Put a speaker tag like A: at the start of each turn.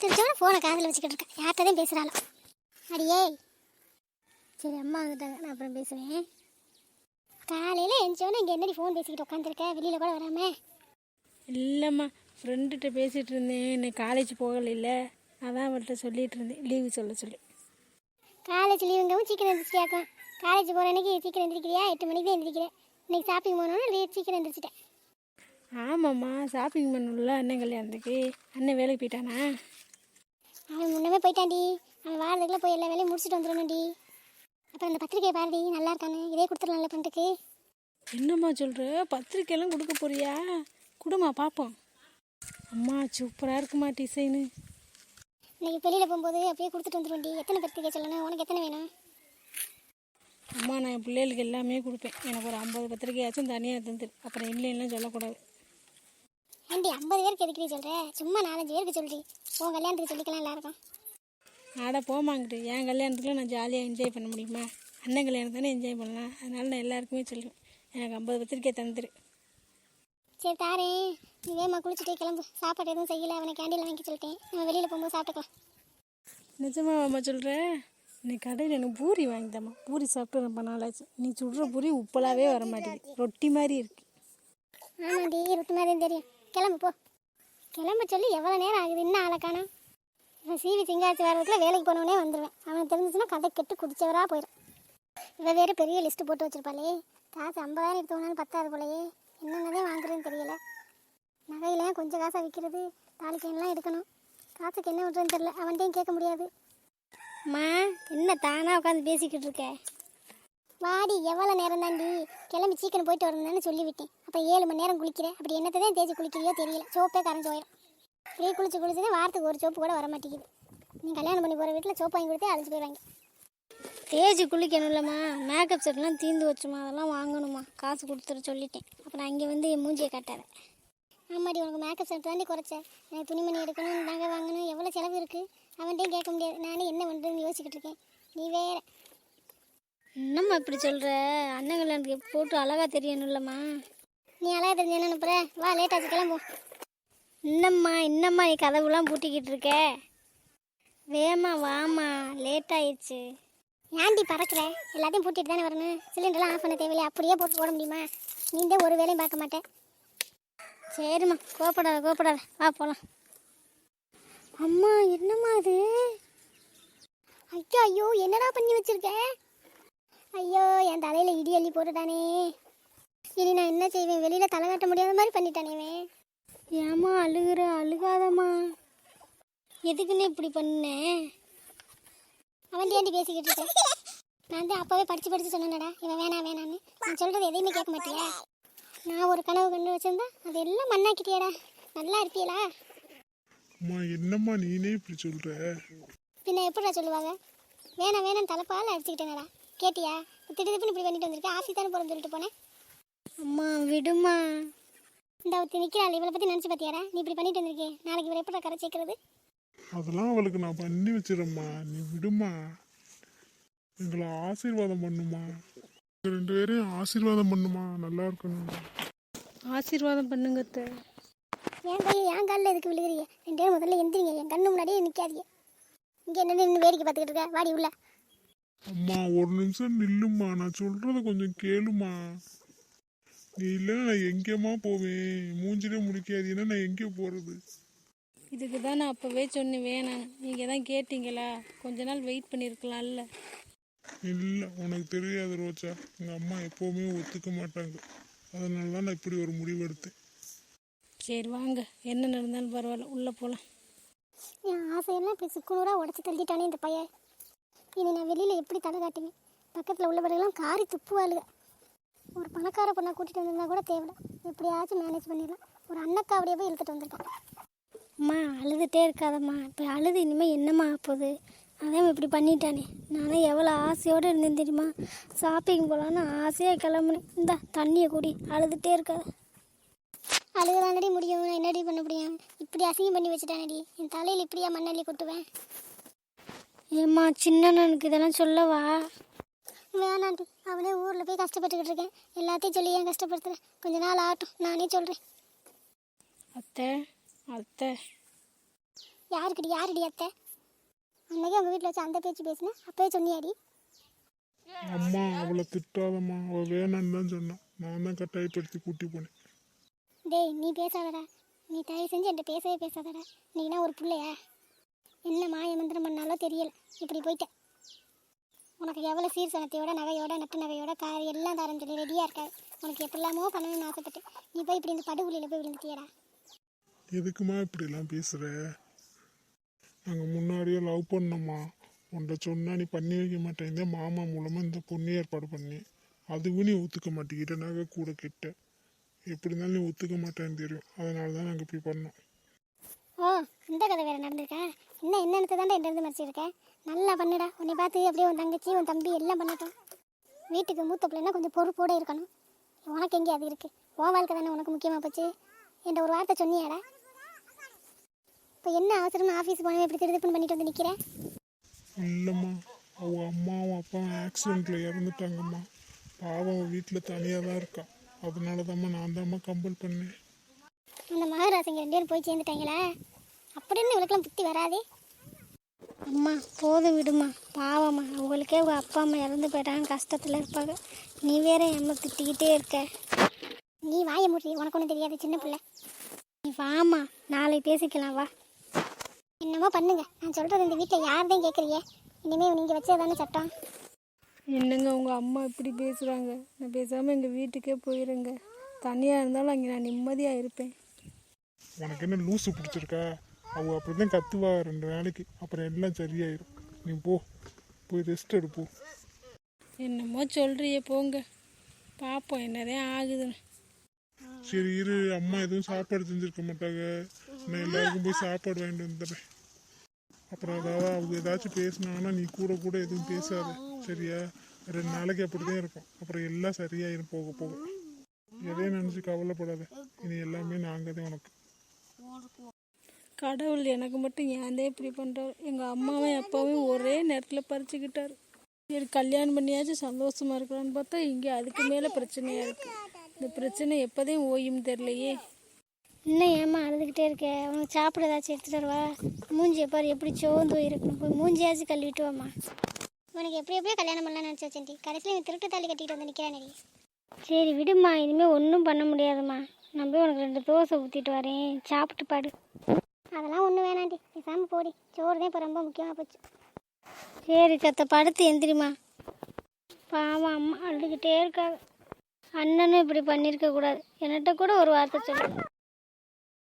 A: எந்திரிச்சோட ஃபோனை காதில் வச்சுக்கிட்டு இருக்கேன். யார்கிட்டதான் பேசுகிறாளோ. அடியே சரி, அம்மா வந்துட்டாங்க, நான் அப்புறம் பேசுவேன். காலையில் எழுந்தோடனே இங்கே என்னடி ஃபோன் பேசிக்கிட்டு உட்காந்துருக்க, வெளியில் கூட வராமல்?
B: இல்லைம்மா, ஃப்ரெண்டுகிட்ட பேசிகிட்டு இருந்தேன். இன்னைக்கு காலேஜ் போகல, அதான் அவள்கிட்ட சொல்லிகிட்டு இருந்தேன் லீவு சொல்ல சொல்லி.
A: காலேஜ் லீவுங்கவும் சீக்கிரம் எழுந்திரிச்சியாக்கும். காலேஜ் போகிற அன்னைக்கு சீக்கிரம் எழுந்திரிக்கிறியா? 8 மணிக்கு தான் எழுந்திரிக்கிறேன். இன்னைக்கு ஷாப்பிங் போனோன்னு சீக்கிரம் எழுந்திரிச்சிட்டேன்.
B: ஆமாம்மா, ஷாப்பிங் பண்ணல அண்ணன் கல்யாணத்துக்கு. அண்ணன் வேலைக்கு போயிட்டானா?
A: அவன் முன்னமே போயிட்டான்டி. அவன் வாரத்துக்குள்ளே போய் எல்லா வேலையும் முடிச்சுட்டு வந்துடணும்டி. அப்புறம் அந்த பத்திரிக்கையை பாருடி, நல்லா இருக்கானு. இதே கொடுத்துடலாம்ல ஃப்ரெண்டுக்கு.
B: என்னம்மா சொல்கிற? பத்திரிக்கையெல்லாம் கொடுக்க போறியா? கொடுமா பார்ப்போம். அம்மா சூப்பராக இருக்குமா டிசைனு.
A: இன்னைக்கு வெளியில் போகும்போது அப்படியே கொடுத்துட்டு வந்துடும்டி. எத்தனை பத்திரிக்கை சொல்லணும்? உனக்கு எத்தனை வேணும்?
B: அம்மா, நான் என் பிள்ளைகளுக்கு எல்லாமே கொடுப்பேன். எனக்கு ஒரு 50 பத்திரிக்கையாச்சும் தனியாக தந்துடு. அப்புறம் இல்லைன்னா சொல்லக்கூடாது.
A: ஏண்டி 50 பேருக்கு எதுக்கடி சொல்கிற? சும்மா 4-5 பேருக்கு சொல்றி. உன் கல்யாணத்துக்கு சொல்லிக்கலாம் எல்லாருக்கும்.
B: ஆட போமாங்கிட்டு. என் கல்யாணத்துக்குள்ள நான் ஜாலியாக என்ஜாய் பண்ண முடியுமா? அண்ணன் கல்யாணம் தானே என்ஜாய் பண்ணலாம். அதனால நான் எல்லாருக்குமே சொல்லுவேன், எனக்கு 50 பத்திரிக்கை தந்துடு.
A: சரி தாரேன். நீ வேமா குளிச்சுட்டே கிளம்பு. சாப்பாடு எதுவும் செய்யலை, அவனை கேண்டீனில் வாங்கி சொல்லிட்டேன். நம்ம வெளியில் போகும்போது சாப்பிட்டுக்கலாம்.
B: நிஜமாக அம்மா சொல்கிற? இன்னைக்கு கடையில் எனக்கு பூரி வாங்கித்தம்மா. பூரி சாப்பிட்டு ரொம்ப நாளாச்சு. நீ சுடுற பூரி உப்பலாவே வர மாட்டேங்குது, ரொட்டி மாதிரி இருக்கு.
A: ஆமாண்டி, ரொட்டி மாதிரி தெரியும். கிளம்பு போ. கிளம்ப சொல்லி எவ்வளோ நேரம் ஆகுது, இன்னும் ஆளை காணோம். இவன் சீவி சிங்காச்சி வரதுக்குள்ள வேலைக்கு போனவனே வந்துடுவேன். அவனுக்கு தெரிஞ்சிச்சுன்னா கதை கெட்டு குடிச்சவராக போயிடும். இவன் வேறு பெரிய லிஸ்ட்டு போட்டு வச்சிருப்பாளே. காசு 50,000 எடுத்து போனாலும் பத்தாது போலையே. என்னென்னதே வாங்குறதுன்னு தெரியல. நகையிலையும் கொஞ்சம் காசாக விற்கிறது. தாலிக்கையெல்லாம் எடுக்கணும். காசுக்கு என்ன பண்ணுறதுன்னு தெரியல. அவன்கிட்டையும் கேட்க முடியாது. அம்மா, என்ன தானாக உட்காந்து பேசிக்கிட்டு இருக்க? வாடி, எவ்வளோ நேரம் தாண்டி? கிளம்பி சீக்கிரம் போயிட்டு வரணும்னு சொல்லிவிட்டேன். அப்போ 7 மணி நேரம் குளிக்கிறேன். அப்படி என்னத்தை தான் தேய்ச்சி குளிக்கிறியோ தெரியல. சோப்பே கரைஞ்சி போயிடும். இப்படியே குளிச்சுதான் வாரத்துக்கு ஒரு சோப்பு கூட வர மாட்டேங்குது. நீ கல்யாணம் பண்ணி போகிற வீட்டில் சோப்பு வாங்கி கொடுத்தே அழைச்சி போயிடுவாங்க. தேய்ச்சி குளிக்கணும் இல்லைம்மா. மேக்கப் செட்லாம் தீர்ந்து வச்சுமா, அதெல்லாம் வாங்கணுமா. காசு கொடுத்துட்டு சொல்லிட்டேன். அப்புறம் அங்கே வந்து என் மூஞ்சியை காட்டாத. ஆமாடி, உனக்கு மேக்கப் செட் தாண்டி குறைச்சேன். எனக்கு துணிமணி எடுக்கணும், நகை வாங்கணும், எவ்வளோ செலவு இருக்குது. அவன்கிட்டையும் கேட்க முடியாது. நானே என்ன பண்ணுறதுன்னு யோசிச்சுக்கிட்டு இருக்கேன். நீ வேற என்னம்மா இப்படி சொல்கிற? அண்ணன் கல்யாணத்துக்கு போட்டு அழகாக தெரியணும் இல்லைம்மா. நீ அழகாக தெரிஞ்சு என்ன அனுப்புற? வா, லேட்டாச்சு, கிளம்பும். இன்னம்மா நீ கதவுலாம் பூட்டிக்கிட்டு இருக்க? வேமா வாமா, லேட் ஆயிடுச்சு. ஏன்டி பறக்கிற? எல்லாத்தையும் பூட்டிட்டு தானே வரணும். சிலிண்டர்லாம் ஆஃப் பண்ண தேவையில்லை. அப்படியே போட்டு போட முடியுமா? நீ தான் ஒரு வேலையும் பார்க்க மாட்டேன். சரிம்மா, கோப்படாத, வா போகலாம். அம்மா, என்னம்மா அது? ஐயோ, என்னடா பண்ணி வச்சிருக்க? ஐயோ, என் தலையில் இடி அள்ளி போட்டுட்டானே. இனி நான் என்ன செய்வேன்? வெளியில் தலை காட்ட முடியாத மாதிரி பண்ணிட்டானேவே. ஏம்மா அழுகுற? அழுகாதம்மா. எதுக்குன்னு இப்படி பண்ணேன்? அவன் ஏண்டி பேசிக்கிட்டு இருக்கேன்? நான் தான் அப்போவே படித்து சொன்னேன்டா, இவன் வேணான்னு. நான் சொல்கிறது எதையுமே கேட்க மாட்டியா? நான் ஒரு கனவு கண்டு வச்சிருந்தா அது எல்லாம் மண்ணாக்கிட்டியாடா. நல்லா இருப்பியலா?
C: அம்மா, என்னம்மா நீனே இப்படி சொல்ற?
A: பின்ன எப்படிடா சொல்லுவாங்க? வேணாம் தலைப்பால் அடிச்சுக்கிட்டேனடா. கேட்டியா? திடீர்னு இப்படி பண்ணிட்டு வந்திருக்கேன். ஆஃபீஸ் தானே போகிறேன்னு சொல்லிட்டு போனேன். அம்மா விடுமா. இந்த ஒருத்தி நிற்கிறாள், இவளை பற்றி நினச்சி பார்த்தியாடா? நீ இப்படி பண்ணிட்டு வந்திருக்கேன். நாளைக்கு இவரை எப்படா கரை சேர்க்கறது?
C: அதெல்லாம் அவளுக்கு நான் பண்ணி வச்சிடறேம்மா, நீ விடுமா. எங்களை ஆசீர்வாதம் பண்ணுமா. 2 பேரையும் ஆசீர்வாதம் பண்ணுமா, நல்லா இருக்கணும்.
B: ஆசீர்வாதம் பண்ணுங்க.
A: என் கையை என் காலில் எதுக்கு விழுகிறீங்க? 2 பேரும் முதல்ல எந்திரிங்க. என் கண்ணு முன்னாடியே நிற்காதீங்க. இங்கே என்ன நின்று வேடிக்கை பார்த்துக்கிட்டு இருக்க? வாடி உள்ள.
C: அம்மா, ஒரு நிமிஷம் நில்லுமா, நான் சொல்றத கொஞ்சம் கேளுமா. நீ இல்லை நான் எங்கேம்மா போவேன்? மூஞ்சிலே முடிக்காதீங்கன்னா நான் எங்கே போகிறது?
B: இதுக்கு தான் நான் அப்போவே சொன்னேன் வேணாம். நீங்கள் தான் கேட்டீங்களா? கொஞ்ச நாள் வெயிட் பண்ணியிருக்கலாம்ல.
C: இல்லை, உனக்கு தெரியாது ரோச்சா. எங்கள் அம்மா எப்போவுமே ஒத்துக்க மாட்டாங்க. அதனால தான் நான் இப்படி ஒரு முடிவு எடுத்தேன்.
B: சரி வாங்க, என்ன நடந்தாலும் பரவாயில்ல, உள்ளே போகலாம்.
A: என் ஆசையெல்லாம் இப்படி சுக்குநூறாக உடச்சி தள்ளிட்டானே இந்த பையன். இனி நான் வெளியில் எப்படி தலை காட்டுவேன்? பக்கத்தில் உள்ளவர்களெல்லாம் காரி துப்புவாளுங்க. ஒரு பணக்கார பொண்ணை கூட்டிகிட்டு வந்திருந்தா கூட தேவையில்ல, எப்படியாச்சும் மேனேஜ் பண்ணிடலாம். ஒரு அண்ணக்காவடியே போய் இழுத்துட்டு வந்திருக்கேன். அம்மா அழுதுகிட்டே இருக்காதம்மா. இப்போ அழுது இனிமேல் என்னம்மா ஆகுது? அதான் இப்படி பண்ணிட்டானே. நானும் எவ்வளோ ஆசையோடு இருந்தேன் தெரியுமா? ஷாப்பிங் போகலான்னு ஆசையாக கிளம்புனேன். இந்த தண்ணியை கூடி அழுதுகிட்டே இருக்காது. அழுகுதானடி முடியும், நான் என்னடி பண்ண முடியும்? இப்படி அசிங்கம் பண்ணி வச்சுட்டானடி. என் தலையில் இப்படியா மண்ணள்ளி கொட்டுவேன்? ஏம்மா, சின்னனுக்கு இதெல்லாம் சொல்லவா? வேணாண்டி, அவனே ஊரில் போய் கஷ்டப்பட்டுக்கிட்டு இருக்கேன். எல்லாத்தையும் சொல்லி ஏன் கஷ்டப்படுத்துகிறேன்? கொஞ்ச நாள் ஆகட்டும், நானே சொல்கிறேன்.
B: அத்தை
A: யாருடி அத்தை? அன்னைக்கு உங்கள் வீட்டில் வச்சு அந்த பேச்சு பேசினேன், அப்பவே சொன்னியாடி?
C: அம்மா அவளை திட்டாதம்மா, அவள் வேணான்னு தான் சொன்னான். நான் தான் கட்டாயப்படுத்தி கூட்டி போனேன்.
A: டேய் நீ பேசாதடா, நீ தயவு செஞ்சு என்கிட்ட பேசவே பேசாதடா. நீனா ஒரு பிள்ளையா? என்ன மாய மந்திரம் பண்ணாலும் தெரியல, இப்படி போயிட்டேன். உனக்கு எவ்வளோ சீர் சனத்தையோட நகையோட நட்டு நகையோட கார் எல்லாம் தரேன்னு சொல்லி ரெடியாக இருக்காது. உனக்கு எப்படிலாமோ பண்ணணும்னு ஆசைப்பட்டு நீ போய் இப்படி இந்த படுகொலியில் போய் விழுந்துட்டியடா.
C: எதுக்குமா இப்படிலாம் பேசுகிற? நாங்கள் முன்னாடியே லவ் பண்ணோம்மா. உன்கிட்ட சொன்னா நீ பண்ணி வைக்க மாட்டேங்க. மாமா மூலமாக இந்த பொண்ணு ஏற்பாடு பண்ணி அதுவும் நீ ஒத்துக்க மாட்டேங்கிட்ட. நகை கூட கிட்ட எப்படி இருந்தாலும் நீ ஒத்துக்க மாட்டேன்னு தெரியும். அதனால தான் நாங்கள் இப்படி பண்ணோம்.
A: ஓ இந்த கதை வேறு நடந்திருக்கா? என்னென்னத்தை தாண்டா என்கிட்ட மறைச்சிருக்கேன். நல்லா பண்ணுடா. உன்னை பார்த்து அப்படியே உன் தங்கச்சி உன் தம்பி எல்லாம் பண்ணட்டும். வீட்டுக்கு மூத்த பிள்ளைன்னா கொஞ்சம் பொறுப்போடு இருக்கணும். உனக்கு எங்கே அது இருக்குது? உன் வாழ்க்கை தானே உனக்கு முக்கியமாக போச்சு. என்கிட்ட ஒரு வார்த்தை சொன்னியாடா? இப்போ என்ன அவசரமா ஆஃபீஸ் போனவே இப்படி திருதுப்புன்னு பண்ணிட்டு வந்து நிற்கிறேன்?
C: இல்லைம்மா, அவள் அம்மாவும் அப்பாவும் ஆக்சிடெண்ட்டில் இறந்துட்டாங்கம்மா. பாவம் அவள் வீட்டில் தனியாக தான் இருக்கா. அதனால தாம்மா நான் தாம்மா கம்பல் பண்ணேன்.
A: அந்த மகாராசிங்க 2 பேரும் போய் சேர்ந்துட்டாங்களா? அப்படின்னு இவளுக்கெல்லாம் புத்தி வராதே. அம்மா போதும் விடுமா, பாவம்மா. அவங்களுக்கே உங்கள் அப்பா அம்மா இறந்து போயிட்டாங்க, கஷ்டத்தில் இருப்பாங்க. நீ வேற அம்மா திட்டிக்கிட்டே இருக்க. நீ வாய மூடி, உனக்கு ஒன்றும் தெரியாது, சின்ன பிள்ளை. நீ வாமா, நாளைக்கு பேசிக்கலாம் வா. என்னமோ பண்ணுங்க, நான் சொல்கிறது இந்த வீட்டில் யார்தான் கேட்குறீங்க? இனிமேல் நீங்கள் வச்சது தானே சட்டம்.
B: என்னங்க உங்கள் அம்மா இப்படி பேசுகிறாங்க? நான் பேசாமல் எங்கள் வீட்டுக்கே போயிருங்க. தனியாக இருந்தாலும் அங்கே நான் நிம்மதியாக இருப்பேன்.
C: உனக்கு என்ன லூசு பிடிச்சிருக்கா? அவள் அப்படி தான் கத்துவா 2 நாளைக்கு, அப்புறம் எல்லாம் சரியாயிரும். நீ போய் ரெஸ்ட் எடுப்போம்.
B: என்னமோ சொல்கிறியே போங்க, பார்ப்போம் என்னதான் ஆகுதுன்னு.
C: சரி இரு, அம்மா எதுவும் சாப்பாடு செஞ்சுருக்க மாட்டாங்க. நான் எல்லாருக்கும் போய் சாப்பாடு வாங்கிட்டு வந்துடுறேன். அப்புறம் அவங்க ஏதாச்சும் பேசினாங்கன்னா நீ கூட எதுவும் பேசாது, சரியா? 2 நாளைக்கு அப்படி தான் இருக்கும், அப்புறம் எல்லாம் சரியாயிரும் போக போக. எதையும் நினச்சி கவலைப்படாத. இனி எல்லாமே நாங்கள் தான் உனக்கு.
B: கடவுள் எனக்கு மட்டும் ஏன் இப்படி பண்ணுறாரு? எங்கள் அம்மாவும் அப்பாவும் ஒரே நேரத்தில் பறிச்சுக்கிட்டாரு. சரி கல்யாணம் பண்ணியாச்சும் சந்தோஷமாக இருக்கலான்னு பார்த்தா இங்கே அதுக்கு மேலே பிரச்சனையாக இருக்குது. இந்த பிரச்சனை எப்போதையும் ஓயும் தெரியலையே.
A: இன்னும் ஏம்மா அழுதுகிட்டே இருக்க? உனக்கு சாப்பிட ஏதாச்சும் எடுத்துகிட்டு வருவா? மூஞ்சியை பாரு எப்படி சோர்ந்து போயிருக்கணும். போய் மூஞ்சியாச்சும் கழுவிட்டு வாம்மா. உனக்கு எப்படியோ கல்யாணம் பண்ணலாம்னு நினச்சி வச்சேன்டி, கடைசியில் நீ திருட்டு தாலி கட்டிட்டு வந்து நிற்கிறானே. சரி விடுமா, இனிமேல் ஒன்றும் பண்ண முடியாதும்மா. நான் போய் உனக்கு 2 தோசை ஊற்றிட்டு வரேன், சாப்பிட்டு பாடு. அதெல்லாம் ஒன்றும் வேணாண்டி, பேசாமல் போடி. சோறு தான் இப்போ ரொம்ப முக்கியமாக போச்சு. சரி சத்த, படுத்து எந்திரிமா. பாவம் அம்மா அழுதுகிட்டே இருக்காங்க. அண்ணனும் இப்படி பண்ணியிருக்க கூடாது. என்கிட்ட கூட ஒரு வார்த்தை சொல்லு.